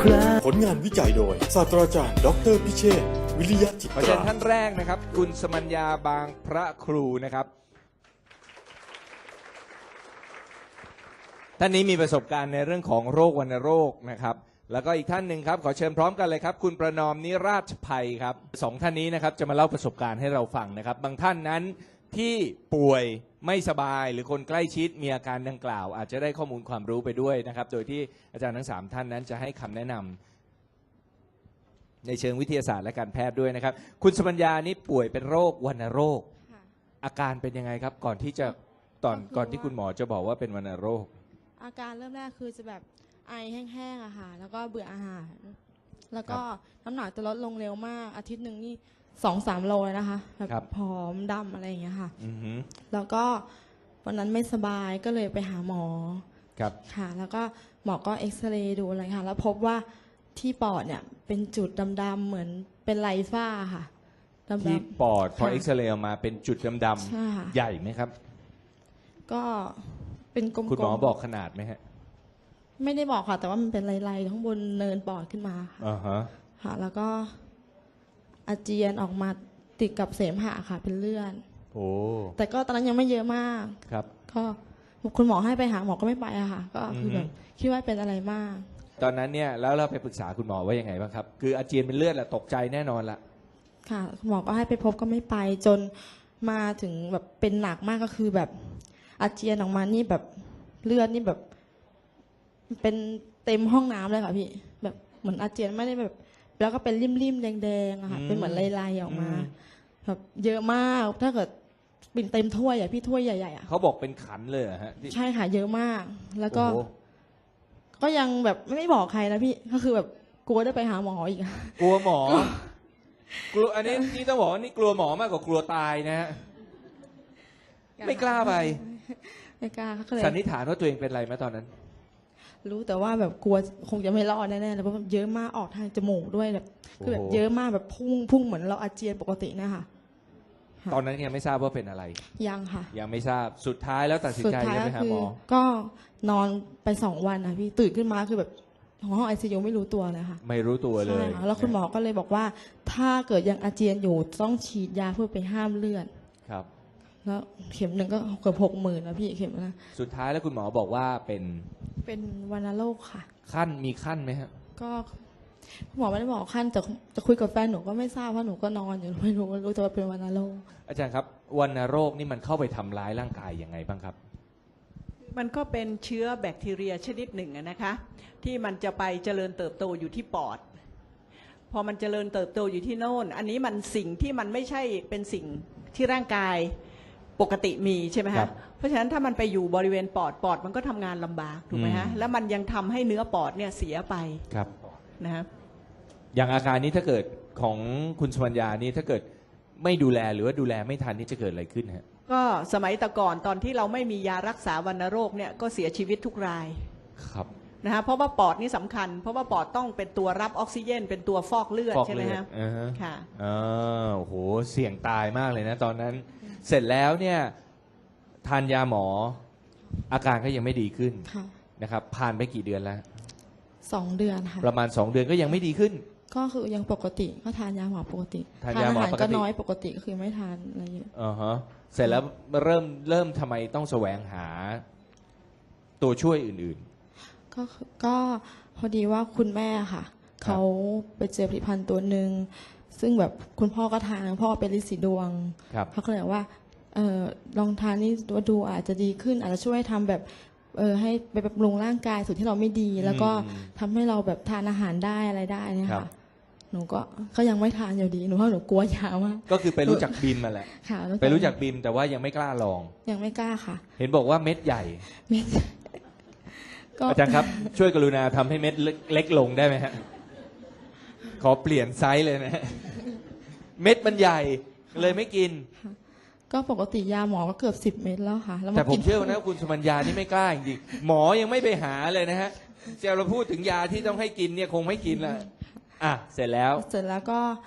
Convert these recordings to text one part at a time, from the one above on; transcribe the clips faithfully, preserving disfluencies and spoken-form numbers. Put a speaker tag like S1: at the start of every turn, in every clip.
S1: ครา
S2: ผลงานวิจัยโดยศาสตราจารย์ดอกเตอรพิเชษฐ์วิริยะจิต
S3: ขอเชิญ
S2: รา
S3: ท่านแรกนะครับคุณสมัญญาบางพระครูนะครับท่านนี้มีประสบการณ์ในเรื่องของโรควัณโรคนะครับแล้วก็อีกท่านหนึ่งครับขอเชิญพร้อมกันเลยครับคุณประนอมนิราชภัยครับสองท่านนี้นะครับจะมาเล่าประสบการณ์ให้เราฟังนะครับบางท่านนั้นที่ป่วยไม่สบายหรือคนใกล้ชิดมีอาการดังกล่าวอาจจะได้ข้อมูลความรู้ไปด้วยนะครับโดยที่อาจารย์ทั้งสามท่านนั้นจะให้คำแนะนำในเชิงวิทยาศาสตร์และการแพทย์ด้วยนะครับคุณสมัญญานี่ป่วยเป็นโรควัณโรคอาการเป็นยังไงครับก่อนที่จะตอนก่อนที่คุณหมอจะบอกว่าเป็นวัณโรค
S4: อาการเริ่มแรกคือจะแบบไอแห้งๆอะค่ะแล้วก็เบื่ออาหารแล้วก็น้ำหนักจะลดลงเร็วมากอาทิตย์หนึ่งนี่สองสามโลเลยนะคะแบบผอมดำอะไรอย่างเงี้ยค่ะแล้วก็วันนั้นไม่สบายก็เลยไปหาหมอครับค่ะแล้วก็หมอก็เอ็กซเรย์ดูอะไรค่ะแล้วพบว่าที่ปอดเนี่ยเป็นจุดดำๆเหมือนเป็นไรฟ้าค่ะ
S3: ที่ปอดพอเอ็กซเรย์ออกมาเป็นจุดดำๆใหญ่ไหมครับ
S4: ก็เป็นกลมๆ
S3: คุณหมอบอกขนาดไหมฮะ
S4: ไม่ได้บอกค่ะแต่ว่ามันเป็นลายๆข้างบนเนินปอดขึ้นมาค่ะ
S3: อ่าฮะ
S4: ค่ะแล้วก็อาเจียนออกมาติดกับเสมหะค่ะเป็นเลือด
S3: โอ้
S4: แต่ก็ตอนนั้นยังไม่เยอะมาก
S3: ครับ
S4: ก็คุณหมอให้ไปหาหมอก็ไม่ไปอะค่ะก็คือแบบคิดว่าเป็นอะไรมาก
S3: ตอนนั้นเนี่ยแล้วเราไปปรึกษาคุณหมอว่ายังไงบ้างครับคืออาเจียนเป็นเลือดแหละตกใจแน่นอนละ
S4: ค่ะคุณหมอก็ให้ไปพบก็ไม่ไปจนมาถึงแบบเป็นหนักมากก็คือแบบอาเจียนออกมานี่แบบเลือดนี่แบบเป็นเต็มห้องน้ำเลยค่ะพี่แบบเหมือนอาเจียนไม่ได้แบบแล้วก็เป็นริมๆแดงๆอะค่ะเป็นเหมือนลายๆออกมาแบบเยอะมากถ้าเกิดเป็นเต็มถ้วยอะพี่ถ้วยใหญ่ๆอะ
S3: เขาบอกเป็นขันเลยฮะ
S4: ใช่ค่ะเยอะมากแล้วก็ก็ยังแบบไม่บอกใครนะพี่ก็คือแบบกลัวได้ไปหาหมออีก
S3: กลัวหมอกลัวอันนี้นี่ต้องบอกว่านี่กลัวหมอมากกว่ากลัวตายนะฮะไม่กล้าไป
S4: ไม่กล้าก็
S3: เลยสันนิษฐานว่าตัวเองเป็นอะไรไหมตอนนั้น
S4: รู้แต่ว่าแบบกลัวคงจะไม่รอดแน่ๆเลยเพราะเยอะมากออกทางจมูกด้วยแบบคือแบบเยอะมากแบบพุ่งพุ่งเหมือนเราอาเจียนปกตินะคะ
S3: ตอนนั้นยังไม่ทราบว่าเป็นอะไร
S4: ยังค่ะ
S3: ยังไม่ทราบสุดท้ายแล้วตัดสินใจไปหาหมอ
S4: ก็นอนไปสองวันนะพี่ตื่นขึ้นมาคือแบบห้องไอซียูไม่รู้ตัวเลยค่ะ
S3: ไม่รู้ตัวเลย
S4: แล้วคุณหมอก็เลยบอกว่าถ้าเกิดยังอาเจียนอยู่ต้องฉีดยาเพื่อไปห้ามเลือด
S3: ครับ
S4: แล้วเข็มหนึ่งก็เกือบหกหมื่นนะพี่เข็มนะ
S3: สุดท้ายแล้วคุณหมอบอกว่าเป็น
S4: เป็นวัณโรคค่ะ
S3: ขั้นมีขั้นไหมครับ
S4: ก็หมอไม่ได้บอกขั้นแต่จะคุยกับแฟนหนูก็ไม่ทราบเพราะหนูก็นอนอยู่ไม่รู้รู้แต่ว่าเป็นวัณโรค
S3: อาจารย์ครับวัณโรคนี่มันเข้าไปทำร้ายร่างกายยังไงบ้างครับ
S5: มันก็เป็นเชื้อแบคทีเรียชนิดหนึ่งนะคะที่มันจะไปเจริญเติบโตอยู่ที่ปอดพอมันเจริญเติบโตอยู่ที่โน่นอันนี้มันสิ่งที่มันไม่ใช่เป็นสิ่งที่ร่างกายปกติมีใช่ไหมฮะเพราะฉะนั้นถ้ามันไปอยู่บริเวณปอดปอดมันก็ทำงานลำบากถูกไหมฮะแล้วมันยังทำให้เนื้อปอดเนี่ยเสียไป
S3: ครับ
S5: นะฮะ
S3: อย่างอาการนี้ถ้าเกิดของคุณสมัญญานี่ถ้าเกิดไม่ดูแลหรือว่าดูแลไม่ทันนี่จะเกิดอะไรขึ้นฮะ
S5: ก็สมัยแต่ก่อนตอนที่เราไม่มียารักษาวัณโรคเนี่ยก็เสียชีวิตทุกราย
S3: ครับ
S5: นะฮะเพราะว่าปอดนี่สำคัญเพราะว่าปอดต้องเป็นตัวรับออกซิเจนเป็นตัวฟอกเลือดใช่ไหมฮะค่ะ
S3: อ๋อโอ้โหเสี่ยงตายมากเลยนะตอนนั้นเสร็จแล้วเนี่ยทานยาหมออาการก็ยังไม่ดีขึ้นนะครับผ่านไปกี่เดือนแล้ว
S4: สองเดือนค่ะ
S3: ประมาณสองเดือนก็ยังไม่ดีขึ้น
S4: ก็คือยังปกติก็ทานยาหมอปกติ
S3: ทานยาหมอปกติ
S4: ก็น้อยปกติก็คือไม่ทานอะไรเยอะ
S3: อ่าฮะเสร็จแล้วเริ่มเริ่มทำไมต้องแสวงหาตัวช่วยอื่น
S4: ๆก็ก็พอดีว่าคุณแม่ค่ะเขาไปเจอผลิตภัณฑ์ตัวหนึ่งซึ่งแบบคุณพ่อก็ทานพ่อเป็นฤทธิ์สีดวงเขาก็เลยว่าเออลองทานนี่ดูดูอาจจะดีขึ้นอาจจะช่วยทำแบบเออให้ไปบำรุงร่างกายส่วนที่เราไม่ดีแล้วก็ทำให้เราแบบทานอาหารได้อะไรได้เนี่ยค่ะหนูก็ก็ยังไม่ทานอยู่ดีหนูเพราะหนูกลัวยามาก
S3: ก็คือไปรู้จักบิมมาแหละไปรู้จักบิมแต่ว่ายังไม่กล้าลอง
S4: ยังไม่กล้าค่ะ
S3: เห็นบอกว่าเม็ดใหญ่
S4: เม็ด
S3: อาจารย์ครับช่วยกรุณาทำให้เม็ดเล็กลงได้ไหมฮะขอเปลี่ยนไซส์เลยนะเม็ดมันใหญ่เลยไม่กิน
S4: ก็ปกติยาหมอก็เกือบสิบเม็ดแล้วค่ะ
S3: แต่ผมเชื่อนะคุณสมัญญานี่ไม่กล้าจริงๆหมอยังไม่ไปหาเลยนะฮะเจ้าเราพูดถึงยาที่ต้องให้กินเนี่ยคงไม่กินละอ่ะเสร็จแล้ว
S4: เสร็จแล้วก็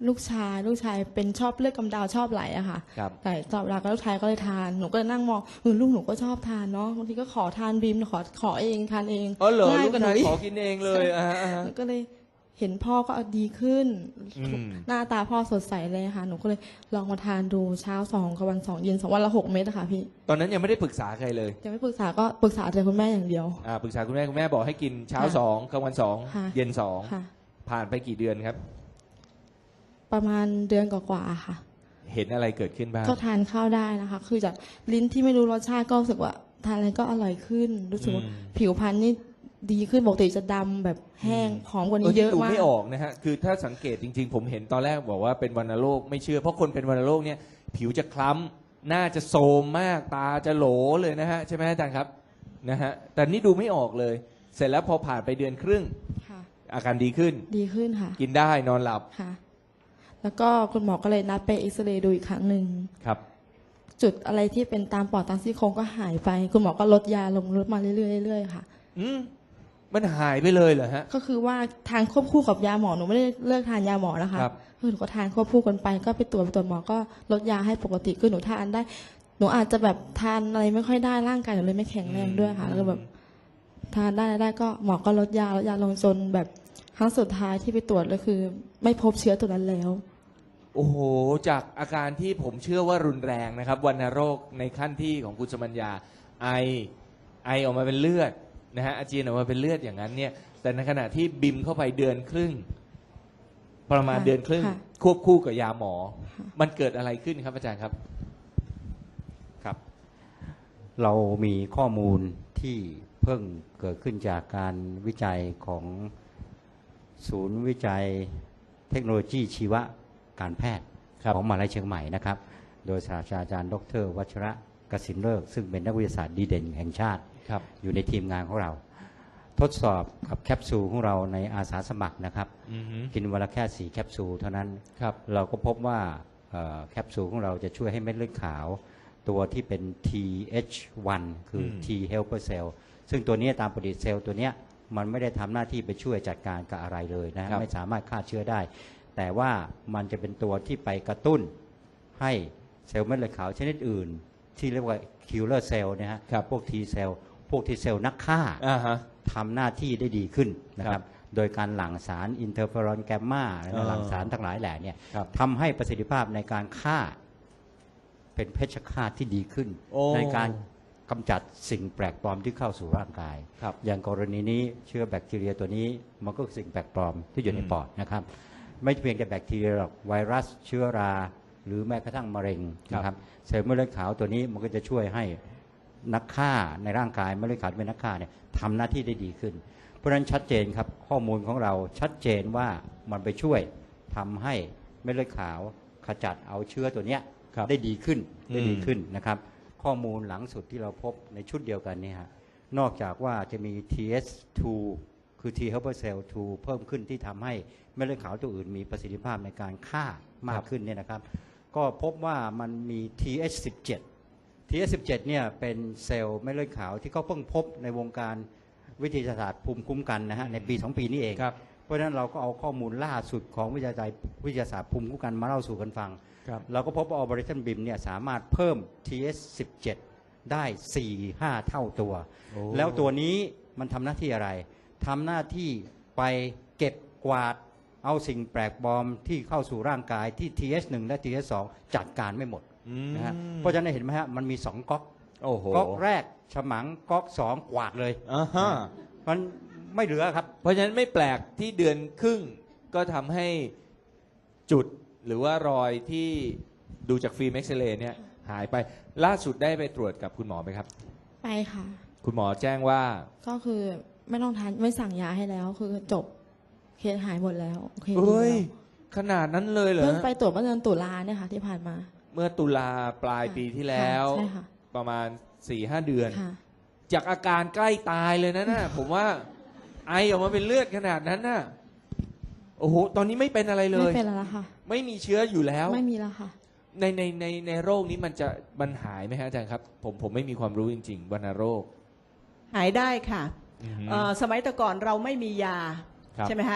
S4: ลูกชายลูกชายเป็นชอบเลือดกำเดาชอบไหลอะค่ะ
S3: ครับ
S4: แต่ตอบรับก็ลูกชายก็เลยทานหนูก็เลยนั่งมองเออลูกหนูก็ชอบทานเนาะบางทีก็ขอทานบีมขอขอเองทานเอง
S3: อ๋อเหรอ
S4: ง่าย
S3: ลูก
S4: กว่าหนู
S3: ชาย
S4: อีก
S3: ขอกินเองเลยอ่าฮะอ่าฮะ
S4: หนูก็เลยเห็นพ่อก็ดีขึ้น
S3: อืม
S4: หน้าตาพ่อสดใสเลยค่ะหนูก็เลยลองมาทานดูเช้าสองกับวันสองเย็นสองวันละหกเม็ดอะค่ะพี่
S3: ตอนนั้นยังไม่ได้ปรึกษาใครเลย
S4: ยังไม่ปรึกษาก็ปรึกษาแต่คุณแม่อย่างเดียว
S3: อ่าปรึกษาคุณแม่คุณแม่บอกให้กินเช้า
S4: ค่ะ
S3: สองกลางวันสอง
S4: ค่ะ
S3: เย็นสอง
S4: ค่ะ
S3: ผ่านไปกี่เดือนครับ
S4: ประมาณเดือนกว่าๆค่ะ
S3: เห็นอะไรเกิดขึ้นบ้าง
S4: ก็ทานข้าวได้นะคะ คือจากลิ้นที่ไม่รู้รสชาติก็รู้สึกว่าทานอะไรก็อร่อยขึ้น รู้สึกว่า
S3: อืม
S4: ผิวพรรณนี่ดีขึ้นปกติจะดำแบบแห้งผอมกว่านี้เยอะ
S3: ดู
S4: มาก
S3: ไม่ออกนะฮะ คือถ้าสังเกตจริงๆ ผมเห็นตอนแรกบอกว่าเป็นวัณโรคไม่เชื่อ เพราะคนเป็นวัณโรคเนี่ยผิวจะคล้ำหน้าจะโทรมมากตาจะโหลเลยนะฮะใช่ไหมอาจารย์ครับนะฮะแต่นี่ดูไม่ออกเลย เสร็จแล้วพอผ่านไปเดือนครึ่ง
S4: ค่ะ
S3: อาการดีขึ้น
S4: ดีขึ้นค่ะ
S3: กินได้นอนหลับ
S4: ค่ะ แล้วก็คุณหมอก็เลยนัดไปเอ็กซเรย์ดูอีกครั้งหนึ่ง
S3: ครับ
S4: จุดอะไรที่เป็นตามปอดตามซี่โครงก็หายไป คุณหมอก็ลดยาลงลดมาเรื่อยๆเรื่อยๆค่ะ
S3: อืมมันหายไปเลยเหรอฮะ
S4: ก็คือว่าทานควบคู่กับยาหมอหนูไม่ได้เลิกทานยาหมอนะคะ
S3: ครับ
S4: คือหนูก็ทานควบคู่กันไปก็ไปตรวจไปตรวจหมอก็ลดยาให้ปกติคือหนูทานได้ หนูอาจจะแบบทานอะไรไม่ค่อยได้ร่างกายหนูเลยไม่แข็งแรงด้วยค่ะ แล้วก็แบบทานได้ได้ก็หมอก็ลดยาลดยาลงจนแบบครั้งสุดท้ายที่ไปตรวจก็คือ ไม่พบเชื้อตัวนั้นแล้ว
S3: โอ้โห จากอาการที่ผมเชื่อว่ารุนแรงนะครับวัณโรคในขั้นที่ของคุณสมัญญาไอไอออกมาเป็นเลือดนะฮะอาเจียนออกมาเป็นเลือดอย่างนั้นเนี่ยแต่ในขณะที่บิมเข้าไปเดือนครึ่ง ประมาณ
S4: ค่ะ
S3: เดือนครึ่ง
S4: ค่ะ
S3: ควบคู่กับยาหมอ มันเกิดอะไรขึ้นครับอาจารย์ครับ
S1: ครับ เรามีข้อมูลที่เพิ่งเกิดขึ้นจากการวิจัยของศูนย์วิจัยเทคโนโลยีชีวการแพทย์
S3: ครับ
S1: ของมหาวิทยาลัยเชียงใหม่นะครับ โดยศาสตราจารย์ดรวัชระกสินเลิกษ์ซึ่งเป็นนักวิทยาศาสตร์ดีเด่นแห่งชาติ
S3: ครับ
S1: อยู่ในทีมงานของเรา ทดสอบกับแคปซูลของเราในอาสาสมัครนะครับ
S3: อือฮึ
S1: กินวันละแค่สี่แคปซูลเท่านั้น
S3: ครับ
S1: เราก็พบว่าเอ่อแคปซูลของเราจะช่วยให้เม็ดเลือดขาว ตัวที่เป็น ที เอช วัน คือ
S3: ม
S1: T helper cell ซึ่งตัวนี้ตามปฏิเซลล์ตัวเนี้ยมันไม่ได้ทำหน้าที่ไปช่วยจัดการกับอะไรเลยนะ
S3: ครับ
S1: ไม่สามารถฆ่าเชื้อได้ แต่ว่ามันจะเป็นตัวที่ไปกระตุ้นให้เซลล์เม็ดเลือดขาวชนิดอื่น ที่เรียกว่า killer cell เนี่ยฮะ
S3: ครับ
S1: พวก T cell พวก T cell นักฆ่า
S3: อ่าฮะ
S1: ทำหน้าที่ได้ดีขึ้นนะค
S3: ครั
S1: รับ บ โดยการหลั่งสารอินเทอร์เฟอรอนแกมมาและ
S3: อ่า
S1: หลั่งสารทั้งหลายแหล่เนี่ย
S3: ครับ
S1: ทำให้ประสิทธิภาพในการฆ่าเป็นเพชฌฆาตที่ดีขึ้น
S3: โอ้
S1: ในการกำจัดสิ่งแปลกปลอมที่เข้าสู่ร่างกาย
S3: ครับ
S1: อย่างกรณีนี้เชื้อแบคทีเรียตัวนี้มันก็คือสิ่งแปลกปลอมที่อยู่ใน
S3: อืม
S1: ปอดนะครับ ไม่เพียงแต่แบคทีเรียหรอกไวรัสเชื้อรา หรือแม้กระทั่งมะเร็งนะครับเซลล์เม็ดเลือดขาวตัวนี้มันก็จะช่วยให้นักฆ่าในร่างกายเม็ดเลือดขาวที่เป็นนักฆ่าเนี่ยทำหน้าที่ได้ดีขึ้น เพราะฉะนั้นชัดเจนครับข้อมูลของเราชัดเจนว่ามันไปช่วยทำให้เม็ดเลือดขาวขจัดเอาเชื้อตัวเนี้ย
S3: ครับ
S1: ได้ดีขึ้นได้ดี
S3: อืม
S1: ขึ้นนะครับ ข้อมูลหลังสุดที่เราพบในชุดเดียวกันเนี่ยฮะนอกจากว่าจะมี ที เอส ทู คือ T helper cell ทู เพิ่มขึ้นที่ทำให้เม็ดเลือดขาวตัวอื่นมีประสิทธิภาพในการฆ่ามากขึ้นเนี่ยนะครับ ก็พบว่ามันมี ที เอช สิบเจ็ด ที เอช สิบเจ็ดเนี่ยเป็นเซลล์เม็ดเลือดขาวที่เขาเพิ่งพบในวงการวิทยาศาสตร์ภูมิคุ้มกันนะฮะในปีสองปีนี้เอง
S3: ครับ
S1: เพราะฉะนั้นเราก็เอาข้อมูลล่าสุดของวิทยาศาสตร์วิทยาศาสตร์ภูมิคุ้มกันมาเล่าสู่กันฟัง
S3: ครับ
S1: เราก็พบว่า Operationบี ไอ เอ็ม เนี่ยสามารถเพิ่ม ที เอช สิบเจ็ด ได้ สี่ ห้า เท่าตัว
S3: โอ้
S1: แล้วตัวนี้มันทำหน้าที่อะไรทำหน้าที่ไปเก็บกวาดเอาสิ่งแปลกปลอมที่เข้าสู่ร่างกายที่ ที เอช หนึ่ง และ ที เอช สอง จัดการไม่หมด
S3: อืม
S1: นะฮะเพราะฉะนั้นเห็นไหมฮะมันมีสองก๊อก
S3: โอ้โห
S1: ก๊อกแรกฉมังก๊อกสองกวาดเลย
S3: อ่าฮะ
S1: มันไม่เหลือครับ
S3: เพราะฉะนั้นไม่แปลกที่เดือนครึ่งก็ทำให้จุดหรือว่ารอยที่ดูจากฟิล์มเอ็กซเรย์เนี่ยหายไปล่าสุดได้ไปตรวจกับคุณหมอไหมครับ
S4: ไปค่ะ
S3: คุณหมอแจ้งว่า
S4: ก็คือไม่ต้องทานไม่สั่งยาให้แล้ว คือจบเคสหายหมดแล้วโอเคดี
S3: เฮ้ย
S4: แล้ว
S3: ขนาดนั้นเลยเหรอ
S4: เพิ่งไปตรวจเมื่อเดือนตุลาเนี่ยค่ะ ที่ผ่านมา
S3: เมื่อตุลาปลายปีที่แล้ว
S4: ค่ะใช่ค่ะ
S3: ประมาณสี่ห้าเดือน
S4: ค่ะ
S3: จากอาการใกล้ตายเลยนะน่ะ ผมว่าไอออกมาเป็นเลือดขนาดนั้นน่ะโอ้โหตอนนี้ไม่เป็นอะไรเล
S4: ไม่
S3: ย
S4: เป็นแล้วค่ะ
S3: ไม่มีเชื้ออยู่แล้ว
S4: ไม่มีแล้วค่ะ
S3: ในในในในโรคนี้มันจะมันหายไหมฮะอาจารย์ครับ ผมผมไม่มีความรู้จริงๆวัณโรค
S5: หายได้ค่ะ
S3: อือฮึ
S5: เอ่อสมัยแต่ก่อนเราไม่มียา
S3: ครับ
S5: ใช่ไหมฮะ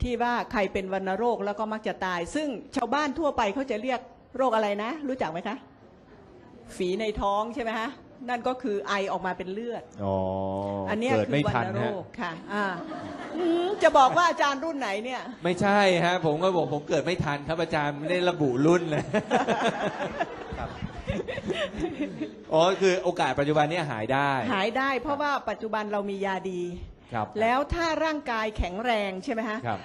S5: ที่ว่าใครเป็นวัณโรคแล้วก็มักจะตาย ซึ่งชาวบ้านทั่วไปเขาจะเรียกโรคอะไรนะ รู้จักไหมคะ ฝีในท้องใช่ไหมฮะนั่นก็คือไอออกมาเป็นเลือด
S3: อ๋อ
S5: อันเนี้ย
S3: เกิด
S5: คือ
S3: ไม่
S5: วั
S3: ทัน
S5: ณโร
S3: ฮะ
S5: คค่ะอ่าอืมจะบอกว่าอาจารย์รุ่นไหนเนี่ย
S3: ไม่ใช่ฮะ ผมก็บอกผมเกิดไม่ทันครับอาจารย์ไม่ได้ระบุรุ่นเลย อ๋อคือโอกาสปัจจุบันเนี้หายได้
S5: หายได้เพราะว่าปัจจุบันเรามียาดี
S3: ครับ
S5: แล้วถ้าร่างกายแข็งแรงใช่ไหมฮะ
S3: ครับ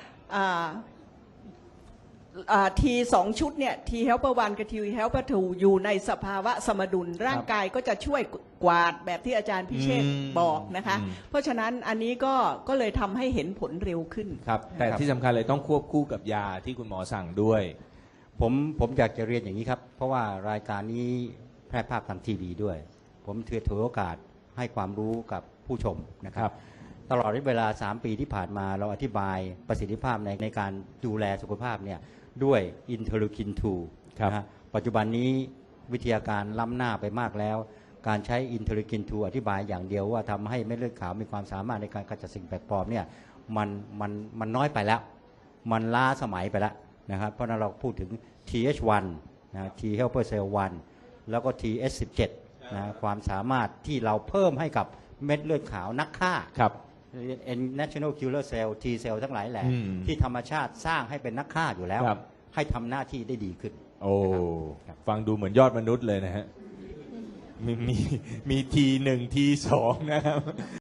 S5: ทีสองชุดเนี่ย T helper วันกับ T helper ทูอยู่ในสภาวะสมดุล ร่างกายก็จะช่วยกวาดแบบที่อาจารย์พิเชษฐ์
S3: อืม
S5: บอกนะคะ
S3: อืม
S5: เพราะฉะนั้นอันนี้ก็ก็เลยทำให้เห็นผลเร็วขึ้น
S3: ครับ แต่
S1: ครับ
S3: ที่สำคัญเลยต้องควบคู่กับยาที่คุณหมอสั่งด้วย
S1: ผมผมอยากจะเรียนอย่างนี้ครับ เพราะว่ารายการนี้แพร่ภาพทางทีวีด้วย ผมถือถือโอกาสให้ความรู้กับผู้ชมนะค
S3: ครั
S1: รับ
S3: บ
S1: ตลอดเวลา สาม ปีที่ผ่านมาเราอธิบายประสิทธิภาพในในการดูแลสุขภาพเนี่ยด้วยอินเทอร์ลูคิน ทู
S3: ครับ
S1: นะฮะปัจจุบันนี้วิทยาการล้ำหน้าไปมากแล้ว การใช้อินเทอร์ลูคิน ทู อธิบายอย่างเดียวว่าทำให้เม็ดเลือดขาวมีความสามารถในการขจัดสิ่งแปลกปลอมเนี่ยมันมันมันน้อยไปแล้ว มันล้าสมัยไปแล้วนะครับเพราะฉะนั้นเราพูดถึง ที เอช วัน นะ T helper cell วัน แล้วก็ ที เอช สิบเจ็ด นะความสามารถที่เราเพิ่มให้กับเม็ดเลือดขาวนักฆ่า
S3: ครับ
S1: National Killer Cell T cell ทั้งหลายแหละ
S3: อืม
S1: ที่ธรรมชาติสร้างให้เป็นนักฆ่าอยู่แล้ว
S3: ครับ
S1: ให้ทำหน้าที่ได้ดีขึ้น
S3: โอ้
S1: ครับ
S3: ฟังดูเหมือนยอดมนุษย์เลยนะฮะ มีมีมีทีหนึ่งทีสองนะครับ